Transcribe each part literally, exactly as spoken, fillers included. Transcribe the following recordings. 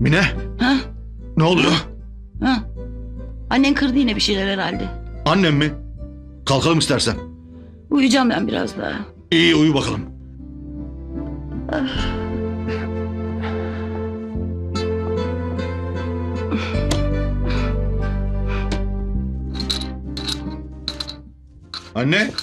Mine, Ha? ne oluyor? Ha? Annen kırdı yine bir şeyler herhalde. Annem mi? Kalkalım istersen. Uyuyacağım ben biraz daha. İyi, uyu bakalım. Anne.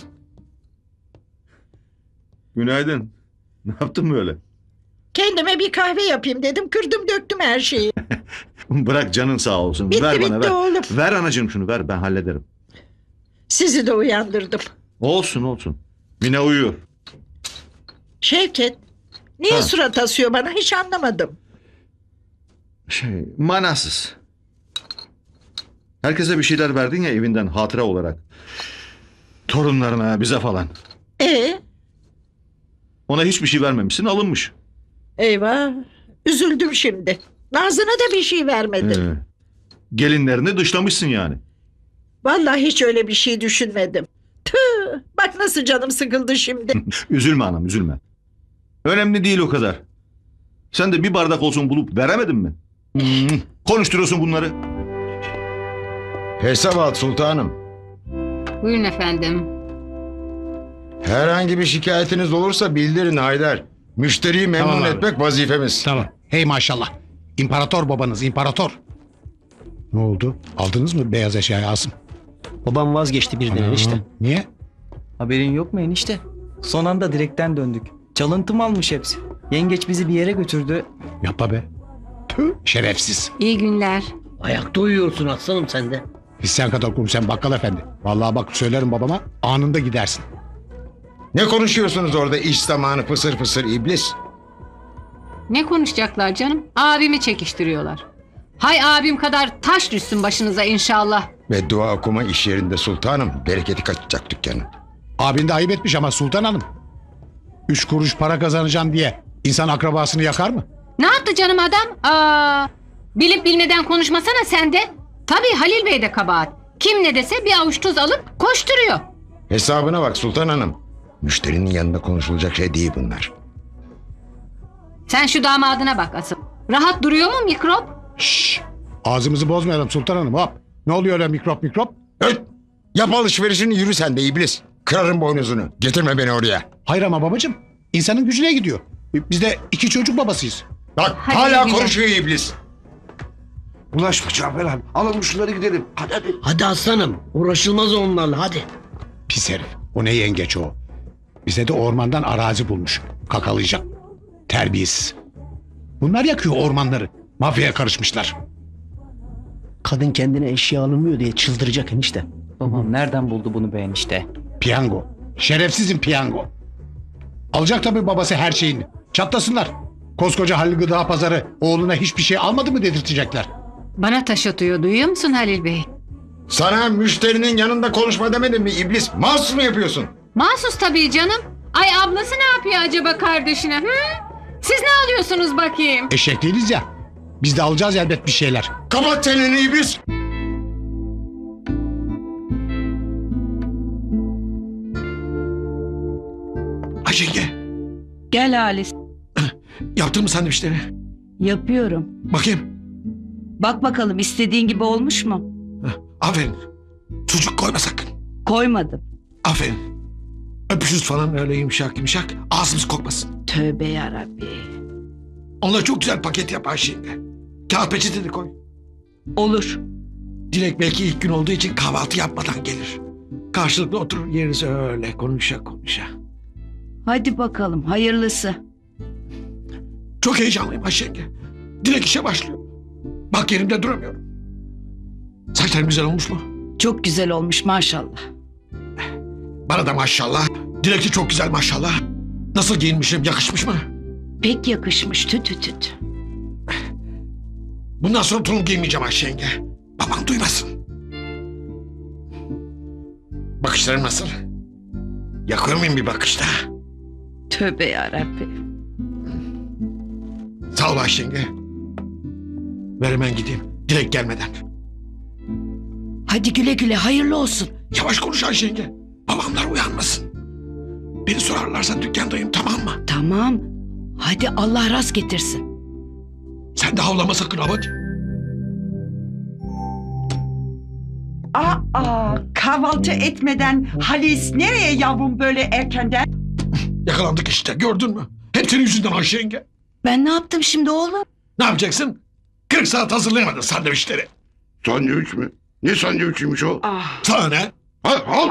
Günaydın. Ne yaptın böyle? Kendime bir kahve yapayım dedim. Kırdım döktüm her şeyi. Bırak, canın sağ olsun. Bitti, ver bana bitti ver. oğlum. Ver anacığım şunu, ver, ben hallederim. Sizi de uyandırdım. Olsun olsun. Mine uyuyor. Şevket, niye Ha. surat asıyor bana hiç anlamadım. Şey, manasız. Herkese bir şeyler verdin ya evinden hatıra olarak. Torunlarına, bize falan. E Ona hiçbir şey vermemişsin, alınmış. eyvah, üzüldüm şimdi. Nazlı'na da bir şey vermedin. Ee, gelinlerini dışlamışsın yani. Vallahi hiç öyle bir şey düşünmedim. Tüh, bak nasıl canım sıkıldı şimdi. Üzülme anam, üzülme. Önemli değil o kadar. Sen de bir bardak olsun bulup veremedin mi? Hmm, konuşturuyorsun bunları. Hesap al sultanım. Buyurun efendim. Herhangi bir şikayetiniz olursa bildirin Haydar. Müşteriyi memnun Tamam abi. etmek vazifemiz. Tamam. Hey maşallah. İmparator babanız, imparator. Ne oldu? Aldınız mı beyaz eşyayı Asım? Babam vazgeçti birden Anam, enişte. Niye? Haberin yok mu enişte? Son anda direkten döndük. Çalıntım almış hepsi. Yengeç bizi bir yere götürdü. Yapma be. Tüh, şerefsiz. İyi günler. Ayakta uyuyorsun aslanım sen de. Biz sen kadar kum sen bakkal efendi. Vallahi bak söylerim babama anında gidersin. Ne konuşuyorsunuz orada iş zamanı fısır fısır iblis? Ne konuşacaklar canım? Abimi çekiştiriyorlar. Hay abim kadar taş düşsün başınıza inşallah. Ve dua okuma iş yerinde sultanım. Bereketi kaçacak dükkanın. Abin de ayıp etmiş ama Sultan Hanım. Üç kuruş para kazanacağım diye insan akrabasını yakar mı? Ne yaptı canım adam? Aa, bilip bilmeden konuşmasana sen de. Tabii Halil Bey de kabahat. Kim ne dese bir avuç tuz alıp koşturuyor. Hesabına bak sultan hanım. Müşterinin yanında konuşulacak şey değil bunlar. Sen şu damadına bak asıl. Rahat duruyor mu mikrop? Şşş. Ağzımızı bozmayalım Sultan Hanım hop. Ne oluyor öyle mikrop mikrop? Öt! Yap alışverişini yürü sen de iblis. Kırarım boynuzunu. Getirme beni oraya. Hayır ama babacığım. İnsanın gücüne gidiyor. Biz de iki çocuk babasıyız. Bak Hadi hala güzel. konuşuyor iblis. Bulaşma Cafer abi. Alalım şunları gidelim. Hadi hadi. Hadi aslanım uğraşılmaz onlarla hadi. Pis herif. O ne yengeç o. Bize de ormandan arazi bulmuş. Kakalayacak. Terbiyesiz. Bunlar yakıyor ormanları. Mafyaya karışmışlar. Kadın kendine eşya alınmıyor diye çıldıracak enişte. Babam nereden buldu bunu be enişte? Piyango. Şerefsizin piyango. Alacak tabii babası her şeyini. Çatlasınlar. Koskoca Halil Gıda Pazarı oğluna hiçbir şey almadı mı dedirtecekler. Bana taş atıyor duyuyor musun Halil Bey? Sana müşterinin yanında konuşma demedim mi iblis? Mahsus mu yapıyorsun? Mahsus tabii canım. Ay ablası ne yapıyor acaba kardeşine? Hı? Siz ne alıyorsunuz bakayım? Eşek değiliz ya. Biz de alacağız elbet bir şeyler. Kapat çeneni iblis. Ayşenge, Gel Halis. yaptın mı sandviçleri? Yapıyorum. Bakayım. Bak bakalım istediğin gibi olmuş mu? Heh, aferin. Sucuk koyma sakın. Koymadım. Aferin. Öpüşüz falan öyle yumuşak yumuşak. Ağzımız kokmasın. Tövbe yarabbi. Onları çok güzel paket yap Ayşenge. Kağıt peçete de koy. Olur. Dilek belki ilk gün olduğu için kahvaltı yapmadan gelir. Karşılıklı oturur yeriz öyle konuşa konuşa. Hadi bakalım hayırlısı. Çok heyecanlıyım Ayşenge. Dilek işe başlıyor. Bak yerimde duramıyorum. Saçlarım güzel olmuş mu? Çok güzel olmuş maşallah. Bana da maşallah. Dilek de çok güzel maşallah. Nasıl giyinmişim, yakışmış mı? Pek yakışmış tüt tüt tüt. Bundan sonra tulum giymeyeceğim Ayşenge. Babam duymasın. Bakışlarım nasıl? Yakıyor muyum bir bakışta? Tövbe yarabbi. Sağ ol Ayşenge. Ver hemen gideyim. Dilek gelmeden. Hadi güle güle hayırlı olsun. Yavaş konuş Ayşenge. Babamlar uyanmasın. Beni sorarlarsa dükkandayım tamam mı? Tamam. Hadi Allah rast getirsin. Sen Sen de havlama sakın hadi. Aa, kahvaltı etmeden Halis nereye yavrum böyle erkenden? Yakalandık işte gördün mü? Hep senin yüzünden Ayşe yenge. Ben ne yaptım şimdi oğlum? Ne yapacaksın? kırk saat hazırlayamadın sandviçleri. Sandviç mi? Ne sandviçiymiş o? Ah, Sana ne? Al al.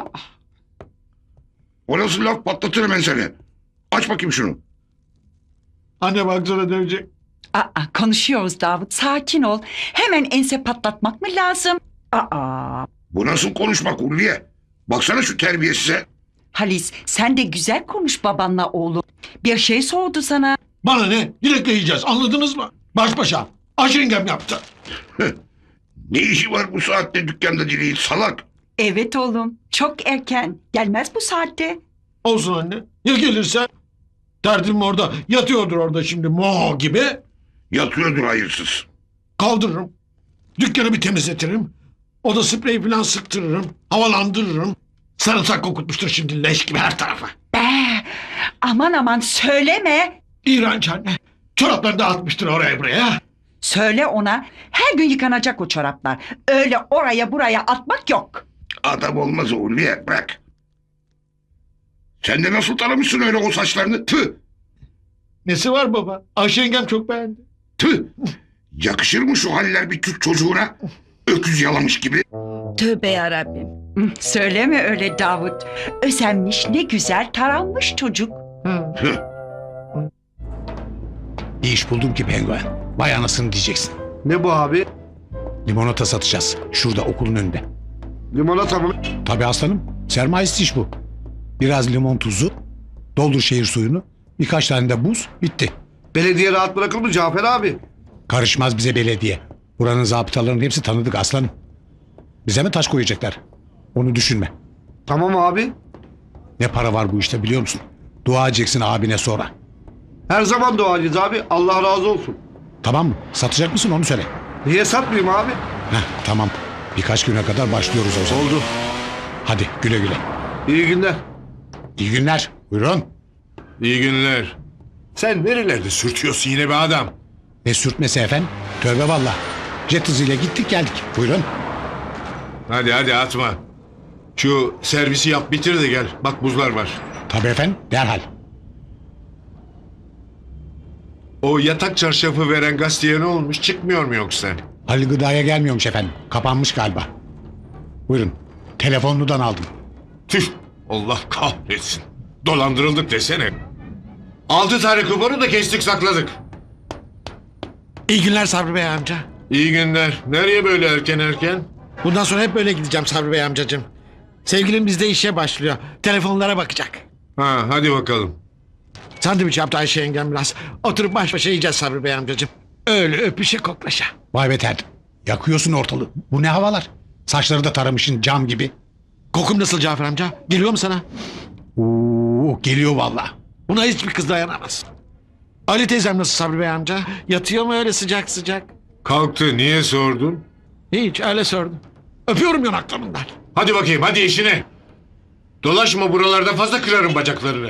O nasıl laf, patlatırım ben seni. Aç bakayım şunu. Anne baksana dövecek. aa, konuşuyoruz Davut, sakin ol. Hemen ense patlatmak mı lazım? Aa, Bu nasıl konuşmak Ulviye? Baksana şu terbiyesize. Halis sen de güzel konuş babanla oğlum. Bir şey sordu sana. Bana ne? Dilekle yiyeceğiz anladınız mı? Baş başa. Ayşe yengem yaptı. Ne işi var bu saatte dükkanda Dilek'in salak? Evet oğlum, çok erken. Gelmez bu saatte. Olsun anne. Ya gelirse? Derdim orada. Yatıyordur orada şimdi mo gibi. Yatıyordur hayırsız. Kaldırırım. Dükkanı bir temizletirim. Oda spreyi falan sıktırırım. Havalandırırım. Sarımsak kokutmuştur şimdi leş gibi her tarafa. Be, aman aman söyleme. İğrenç anne. Çoraplarını dağıtmıştır oraya buraya. Söyle ona, her gün yıkanacak o çoraplar. Öyle oraya buraya atmak yok. Adam olmaz o Ulviye, bırak. Sen de nasıl taramışsın öyle o saçlarını? Tüh! Nesi var baba? Ayşe yengem çok beğendi. Tüh! Yakışır mı şu haller bir Türk çocuğuna? Öküz yalamış gibi. Tövbe yarabbim. Hı, söyleme öyle Davut. Özenmiş, ne güzel taranmış çocuk. Tüh! Bir iş buldum ki penguen. Vay anasını diyeceksin. Ne bu abi? Limonata satacağız. Şurada okulun önünde. Limonata mı? Tabii aslanım. Sermayesiz iş bu. Biraz limon tuzu, doldur şehir suyunu, birkaç tane de buz, bitti. Belediye rahat bırakır mı Cafer abi? Karışmaz bize belediye. Buranın zabıtalarının hepsi tanıdık aslanım. Bize mi taş koyacaklar? Onu düşünme. Tamam abi. Ne para var bu işte biliyor musun? Dua edeceksin abine sonra. Her zaman duacıyız abi. Allah razı olsun. Tamam mı? Satacak mısın onu söyle. Niye satmayayım abi? Heh, tamam. Birkaç güne kadar başlıyoruz o zaman. Oldu. Hadi güle güle. İyi günler. İyi günler. Buyurun. İyi günler. Sen nerelerde sürtüyorsun yine be adam? Ne sürtmesi efendim? Tövbe valla. Jet hızıyla gittik geldik. Buyurun. Hadi hadi atma. Şu servisi yap bitir de gel. Bak buzlar var. Tabii efendim derhal. O yatak çarşafı veren gazeteye ne olmuş? Çıkmıyor mu yoksa? Halil Gıda'ya gelmiyormuş efendim. Kapanmış galiba. Buyurun. Telefonunudan aldım. Tüh! Allah kahretsin. Dolandırıldık desene. Altı tane kuponu da kestik sakladık. İyi günler Sabri Bey amca. İyi günler. Nereye böyle erken erken? Bundan sonra hep böyle gideceğim Sabri Bey amcacığım. Sevgilim bizde işe başlıyor. Telefonlara bakacak. Ha hadi bakalım. Sandviç yaptı Ayşe yengem biraz. Oturup baş başa yiyeceğiz Sabri Bey amcacığım. Öyle öpüşe koklaşa. Vay be tertip. Yakıyorsun ortalığı. Bu ne havalar? Saçları da taramışın cam gibi. Kokum nasıl Cafer amca? Geliyor mu sana? Oo, geliyor valla. Buna hiçbir kız dayanamaz. Ali teyzem nasıl Sabri Bey amca? Yatıyor mu öyle sıcak sıcak? Kalktı niye sordun? Hiç öyle sordum. Öpüyorum yanaklarından. Hadi bakayım hadi işine. Dolaşma buralarda fazla kırarım bacaklarını.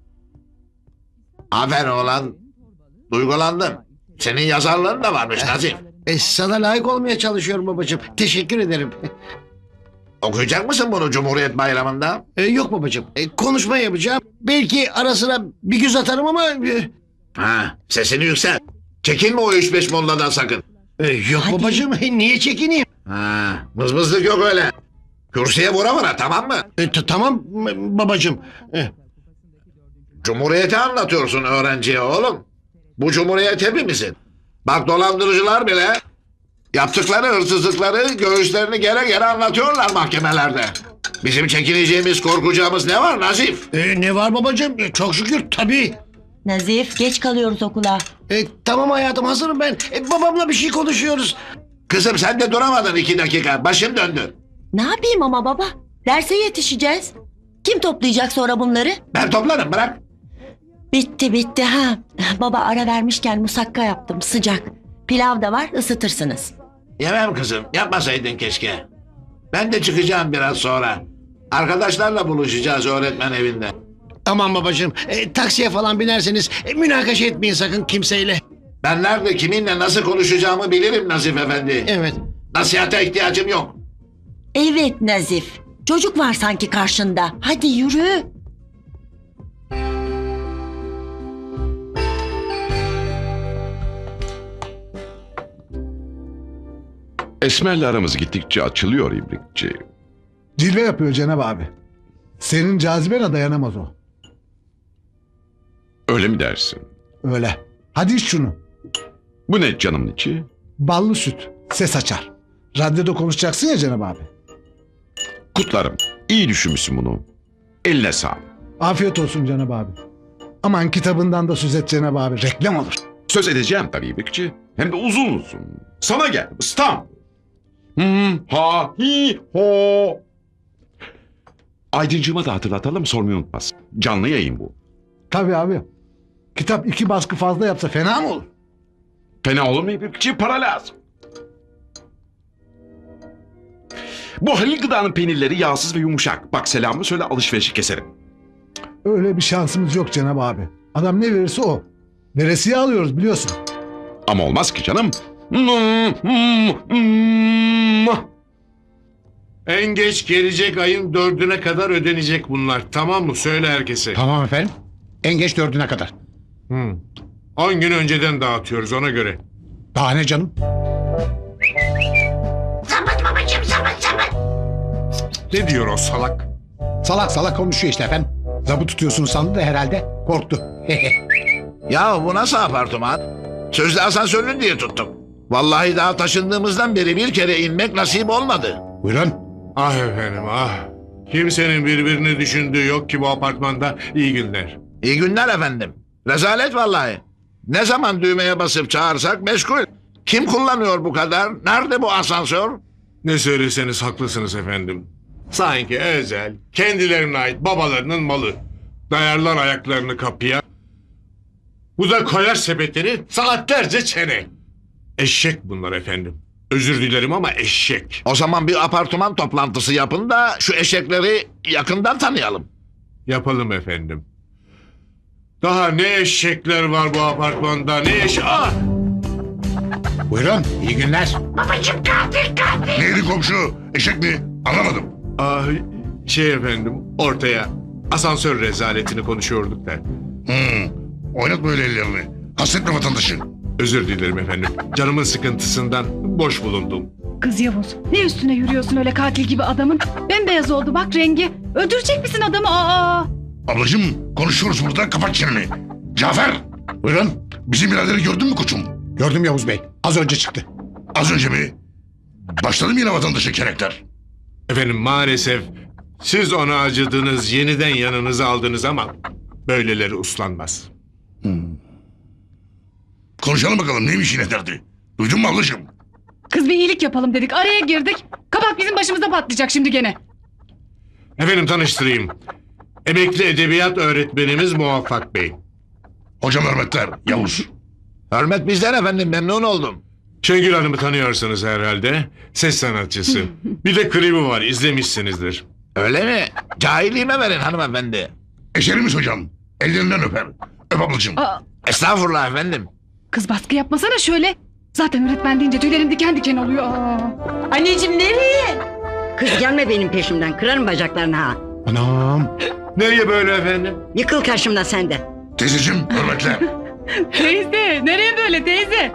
Aferin oğlan. Duygulandım. Senin yazarların da varmış Nazif. E, sana layık olmaya çalışıyorum babacığım. Teşekkür ederim. Okuyacak mısın bunu Cumhuriyet Bayramı'nda? E, yok babacığım. E, konuşma yapacağım. Belki ara sıra bir göz atarım ama... E, Ha, sesini yüksel. Çekinme o üç beş molladan sakın. e, yok babacığım. E, niye çekineyim? Ha, mızmızlık yok öyle. Kürsüye vura vura tamam mı? E, t- tamam m- babacığım. E, Cumhuriyeti anlatıyorsun öğrenciye oğlum. Bu cumhuriyet hepimizin. Bak dolandırıcılar bile yaptıkları hırsızlıkları göğüslerini gere gere anlatıyorlar mahkemelerde. Bizim çekineceğimiz, korkacağımız ne var Nazif? e, ne var babacığım? E, çok şükür tabii. Nazif geç kalıyoruz okula. E, tamam hayatım hazırım ben. E, babamla bir şey konuşuyoruz. Kızım sen de duramadın iki dakika. Başım döndü. Ne yapayım ama baba? Derse yetişeceğiz. Kim toplayacak sonra bunları? Ben toplarım bırak. Bitti bitti ha. Baba ara vermişken musakka yaptım sıcak. Pilav da var ısıtırsınız. Yemem kızım. Yapmasaydın keşke. Ben de çıkacağım biraz sonra. Arkadaşlarla buluşacağız öğretmen evinde. Aman babacığım. E, taksiye falan binerseniz e, münakaşa etmeyin sakın kimseyle. Ben nerede kiminle nasıl konuşacağımı bilirim Nazif Efendi. Evet. Nasihate ihtiyacım yok. Evet Nazif. Çocuk var sanki karşında. Hadi yürü. Esmer'le aramız gittikçe açılıyor İbrikçi. Cilve yapıyor Cenab abi. Senin cazibene dayanamaz o. Öyle mi dersin? Öyle. Hadi iç şunu. Bu ne canımın içi? Ballı süt. Ses açar. Radyoda konuşacaksın ya Cenab abi. Kutlarım. İyi düşünmüşsün bunu. Eline sağlık. Afiyet olsun Cenab abi. Aman kitabından da söz et Cenab abi. Reklam olur. Söz edeceğim tabii İbrikçi. Hem de uzun uzun. Sana geldim İstanbul. Hmm, ha, hi, ho. Aydıncığıma da hatırlatalım, sormayı unutmasın. Canlı yayın bu. Tabii abi. Kitap iki baskı fazla yapsa fena mı olur? Fena olur mu İbrikçi? Para lazım. Bu Halil Gıda'nın peynirleri yağsız ve yumuşak. Bak selamımı söyle, alışverişi keserim. Öyle bir şansımız yok Cenab abi. Adam ne verirse o. Veresiye alıyoruz biliyorsun. Ama olmaz ki canım. En geç gelecek ayın dördüne kadar ödenecek bunlar. Tamam mı? Söyle herkese. Tamam efendim. En geç dördüne kadar. Hmm. On gün önceden dağıtıyoruz ona göre. Daha ne canım? Ne diyor o salak? Salak salak konuşuyor işte efendim. Zabı tutuyorsun sandı da herhalde korktu. Ya bu nasıl apartman? Sözde asansörlü diye tuttum. Vallahi daha taşındığımızdan beri bir kere inmek nasip olmadı. Buyurun. Ah efendim ah. Kimsenin birbirini düşündüğü yok ki bu apartmanda. İyi günler. İyi günler efendim. Rezalet vallahi. Ne zaman düğmeye basıp çağırsak meşgul. Kim kullanıyor bu kadar? Nerede bu asansör? Ne söyleseniz haklısınız efendim. Sanki özel, kendilerine ait babalarının malı. Dayarlar ayaklarını kapıya. Bu da koyar sepetini saatlerce çene. Eşek bunlar efendim. Özür dilerim ama eşek. O zaman bir apartman toplantısı yapın da şu eşekleri yakından tanıyalım. Yapalım efendim. Daha ne eşekler var bu apartmanda ne eş... Ah! Buyurun. İyi günler. Neydi komşu? Eşek mi? Anlamadım. Ah, şey efendim ortaya asansör rezaletini konuşuyorduk da. Hmm. Oynatma öyle ellerini. Hasretme vatandaşı. Özür dilerim efendim. Canımın sıkıntısından boş bulundum. Kız Yavuz, ne üstüne yürüyorsun öyle katil gibi adamın? Bembeyaz oldu bak rengi. Öldürecek misin adamı? Aa! Ablacığım konuşuyoruz burada, kapat çeneni. Cafer. Buyurun. Bizim biraderi gördün mü koçum? Gördüm Yavuz Bey. Az önce çıktı. Az önce mi? Başladı mı yine vatandaşı karakter? Efendim maalesef siz ona acıdınız, yeniden yanınıza aldınız ama böyleleri uslanmaz. Hmm. Konuşalım bakalım neymiş yine derdi? Duydun mu ablacığım? Kız bir iyilik yapalım dedik. Araya girdik. Kabak bizim başımıza patlayacak şimdi gene. Efendim tanıştırayım. Emekli edebiyat öğretmenimiz Muvaffak Bey. Hocam hürmetler, Yavuz. Hürmet bizden efendim, memnun oldum. Şengül Hanım'ı tanıyorsunuz herhalde. Ses sanatçısı. Bir de klibi var, izlemişsinizdir. Öyle mi? Cahilliğime verin hanımefendi. Eşerimiz hocam. Ellerinden öper. Öp ablacığım. Aa, Estağfurullah efendim. kız baskı yapmasana şöyle. Zaten öğretmen deyince tüylerim diken diken oluyor. Aa. Anneciğim nereye? Kız gelme benim peşimden. Kırarım bacaklarını ha. Anam. Nereye böyle efendim? Yıkıl karşımda sen de. Teyzeciğim hürmetler. Teyze, nereye böyle teyze?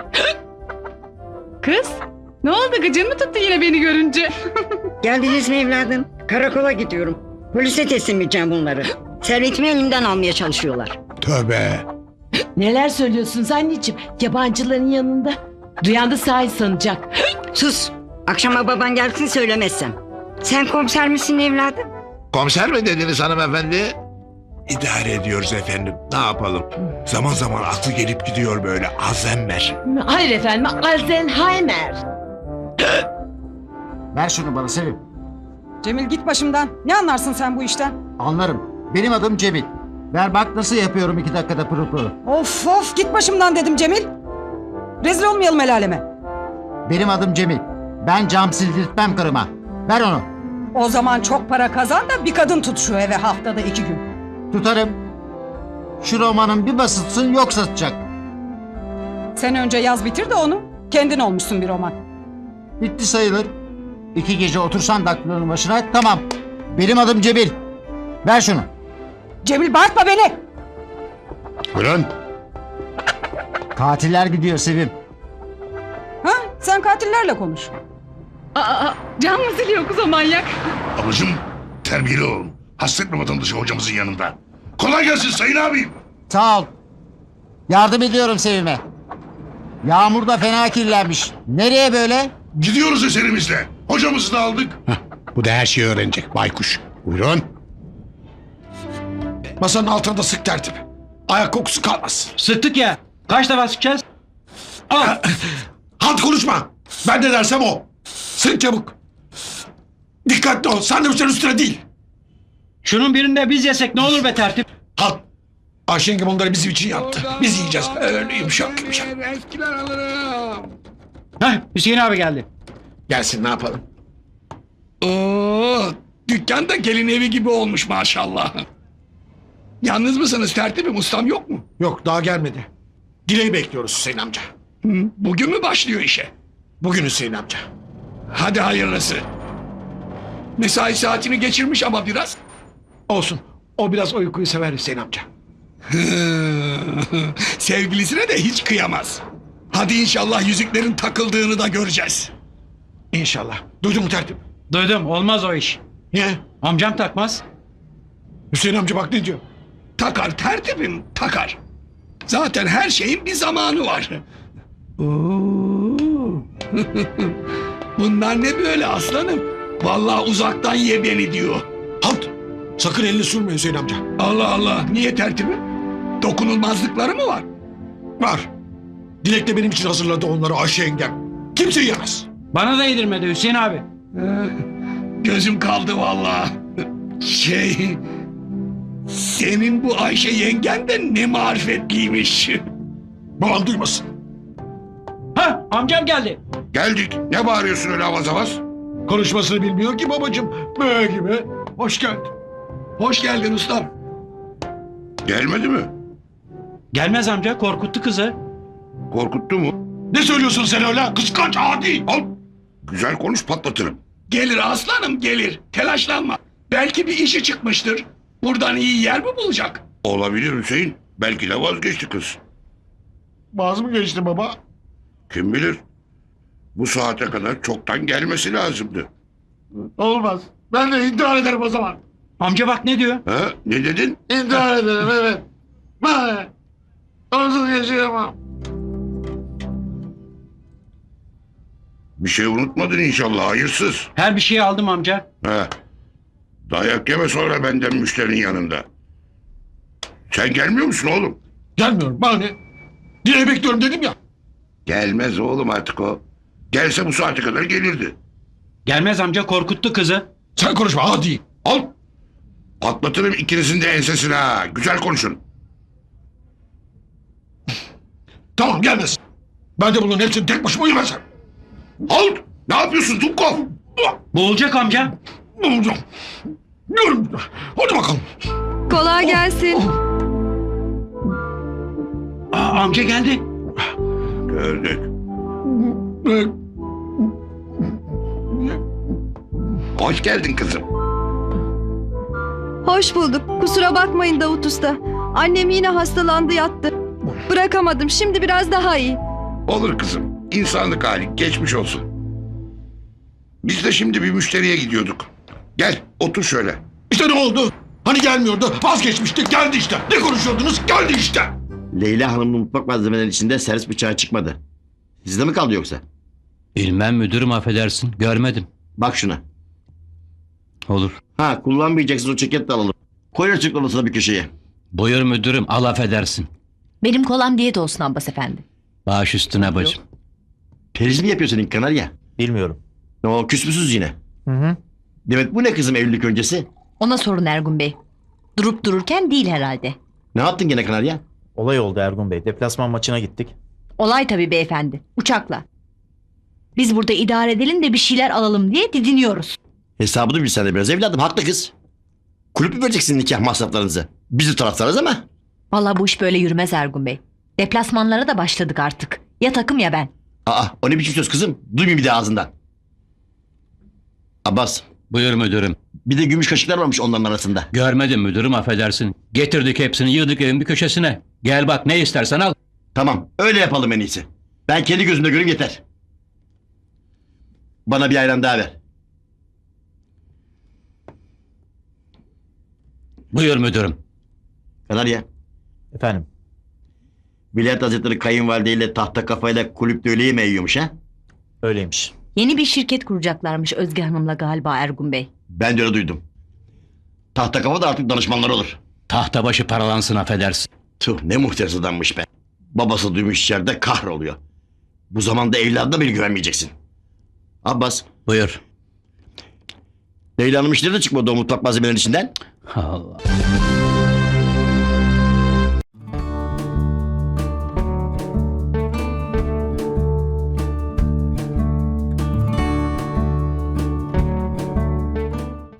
Kız, ne oldu gıcın mı tuttu yine beni görünce? Geldiniz mi evladım? Karakola gidiyorum. Polise teslim edeceğim bunları. Servetimi elimden almaya çalışıyorlar. Tövbe. Neler söylüyorsunuz anneciğim? Yabancıların yanında. Duyan da sahi sanacak. Sus. Akşama baban gelsin söylemezsem. Sen komiser misin evladım? Komiser mi dediniz hanımefendi? İdare ediyoruz efendim. Ne yapalım? Zaman zaman aklı gelip gidiyor böyle Alzheimer. Hayır efendim, Alzheimer. Ver şunu bana Sevim. Cemil git başımdan. Ne anlarsın sen bu işten? Anlarım. Benim adım Cemil. Ver bak nasıl yapıyorum iki dakikada pırıl pırıl. Of of git başımdan dedim Cemil. Rezil olmayalım el aleme. Benim adım Cemil. Ben cam sildirtmem karıma. Ver onu. O zaman çok para kazan da bir kadın tut şu eve haftada iki gün. Tutarım. Şu romanın bir basıtsın yok satacak. Sen önce yaz bitir de onu. Kendin olmuşsun bir roman. Bitti sayılır. İki gece otursan daktilonun başına tamam. Benim adım Cebil. Ver şunu. Cemil bağırtma beni. Buyurun. Katiller gidiyor Sevim. Ha? Sen katillerle konuş. Aa, can mı siliyor kız o manyak? Ablacığım terbiyeli olun. Hasretme vatandaşı hocamızın yanında. Kolay gelsin sayın abim. Sağ ol. Yardım ediyorum Sevim'e. Yağmur da fena kirlenmiş. Nereye böyle? Gidiyoruz eserimizle. Hocamızı da aldık. Hah, bu da her şeyi öğrenecek baykuş. Buyurun. Masanın altında sık tertip. Ayak kokusu kalmaz. Sıktık ya. Kaç defa sıkacağız? Al. Halt konuşma. Ben ne dersem o. Sık çabuk. Dikkatli ol. Sandviçlerin üstüne değil. Şunun birinde biz yesek ne olur be tertip? Halt. Ayşe yenge bunları bizim için yaptı. Biz yiyeceğiz. Öyle yumuşak yumuşak. Eskiler alırım. Heh, Hüseyin abi geldi. Gelsin ne yapalım? Oo, dükkan da gelin evi gibi olmuş maşallah. Yalnız mısınız tertibim? Ustam yok mu? Yok daha gelmedi. Dileği bekliyoruz Hüseyin amca. Hı, bugün mü başlıyor işe? Bugün Hüseyin amca. Hadi hayırlısı. Mesai saatini geçirmiş ama biraz. Olsun. O biraz uykuyu sever Hüseyin amca. Sevgilisine de hiç kıyamaz. Hadi inşallah yüzüklerin takıldığını da göreceğiz. İnşallah. Duydun mu tertip? Duydum, olmaz o iş. Niye? Amcam takmaz. Hüseyin amca bak ne diyor? Takar tertibim takar. Zaten her şeyin bir zamanı var. Oo. Bunlar ne böyle aslanım? Vallahi uzaktan ye beni diyor. Halt! Sakın elini sürme Hüseyin amca. Allah Allah. Niye tertibim? Dokunulmazlıkları mı var? Var. Dilek de benim için hazırladı onları Ayşe yengem. Kimse yemez. Bana da yedirmedi Hüseyin abi. Gözüm kaldı vallahi. Şey... Senin bu Ayşe yengen de ne marifetliymiş. Babam duymasın. Ha, amcam geldi. Geldik. Ne bağırıyorsun öyle avaz avaz? Konuşmasını bilmiyor ki babacığım. Böyle gibi. Hoş geldin. Hoş geldin ustam. Gelmedi mi? Gelmez amca, korkuttu kızı. Korkuttu mu? Ne söylüyorsun sen öyle? Kıskanç adi. Al. Güzel konuş patlatırım. Gelir aslanım gelir. Telaşlanma. Belki bir işi çıkmıştır. Buradan iyi yer mi bulacak? Olabilir Hüseyin. Belki de vazgeçti kız. Vaz mı geçti baba? Kim bilir? Bu saate kadar çoktan gelmesi lazımdı. Olmaz. Ben de intihar ederim o zaman. Amca bak ne diyor? Ha? Ne dedin? İntihar ederim evet. Ben onsuz yaşayamam. Bir şey unutmadın inşallah hayırsız. Her bir şeyi aldım amca. Ha. Dayak yeme sonra benden müşterinin yanında. Sen gelmiyor musun oğlum? Gelmiyorum bana ne? Dileği bekliyorum dedim ya. Gelmez oğlum artık o. Gelse bu saate kadar gelirdi. Gelmez amca, korkuttu kızı. Sen konuşma hadi. Al. Patlatırım ikinizin de ensesine ha. Güzel konuşun. Tamam gelmez. Ben de bunların hepsini tek başıma yemezsem. Al. Ne yapıyorsun Dubkov? Boğulacak amca. Ne olacağım? Diyorum. Hadi bakalım. Kolay gelsin. Aa, amca geldi. Gördük. Hoş geldin kızım. Hoş bulduk. Kusura bakmayın Davut Usta. Annem yine hastalandı yattı. Bırakamadım. Şimdi biraz daha iyi. Olur kızım. İnsanlık hali. Geçmiş olsun. Biz de şimdi bir müşteriye gidiyorduk. Gel otur şöyle. İşte ne oldu? Hani gelmiyordu. Vazgeçmişti. Geldi işte. Ne konuşuyordunuz? Geldi işte. Leyla Hanım'ın mutfak malzemeleri içinde servis bıçağı çıkmadı. Sizde mi kaldı yoksa? Bilmem müdürüm, affedersin. Görmedim. Bak şuna. Olur. Ha, kullanmayacaksın, o ceket de alalım. Koy açık odasına bir köşeye. Buyur müdürüm, al affedersin. Benim kolam diyet olsun Abbas efendi. Baş üstüne bacım. Periz mi yapıyor senin kanarya? Bilmiyorum. Ne o, küs müsünüz yine? Hı hı. Demet bu ne kızım evlilik öncesi? Ona sorun Ergun Bey. Durup dururken değil herhalde. Ne yaptın gene kanarya? Olay oldu Ergun Bey. Deplasman maçına gittik. Olay tabii beyefendi. Uçakla. Biz burada idare edelim de bir şeyler alalım diye didiniyoruz. Hesabını bilsen de biraz evladım, haklı kız. Kulüp mü vereceksin nikah masraflarınızı? Biz de taraftarız ama. Vallahi bu iş böyle yürümez Ergun Bey. Deplasmanlara da başladık artık. Ya takım ya ben. Aa, o ne biçim söz kızım? Duymayayım bir de ağzından. Abbas, Buyur müdürüm. bir de gümüş kaşıklar varmış onların arasında. Görmedim müdürüm, affedersin. Getirdik hepsini, yığdık evin bir köşesine. Gel bak, ne istersen al. Tamam, öyle yapalım en iyisi. Ben kendi gözümde göreyim yeter. Bana bir ayran daha ver. Buyur müdürüm. Kanarya, Efendim? Vilayet Hazretleri kayınvalideyle tahta kafayla kulüpte öyle yemeği yiyormuş ha? Öyleymiş. Yeni bir şirket kuracaklarmış Özge Hanım'la galiba Ergun Bey. Ben de öyle duydum. Tahta kafa da artık danışmanlar olur. Tahta başı paralansın, affedersin. Tuh, ne muhterez adammış be. Babası duymuş içeride kahroluyor. Bu zamanda evladına bile güvenmeyeceksin. Abbas. Buyur. Leyla Hanım işleri de çıkmadı o mutfak malzemelerinin içinden. Allah.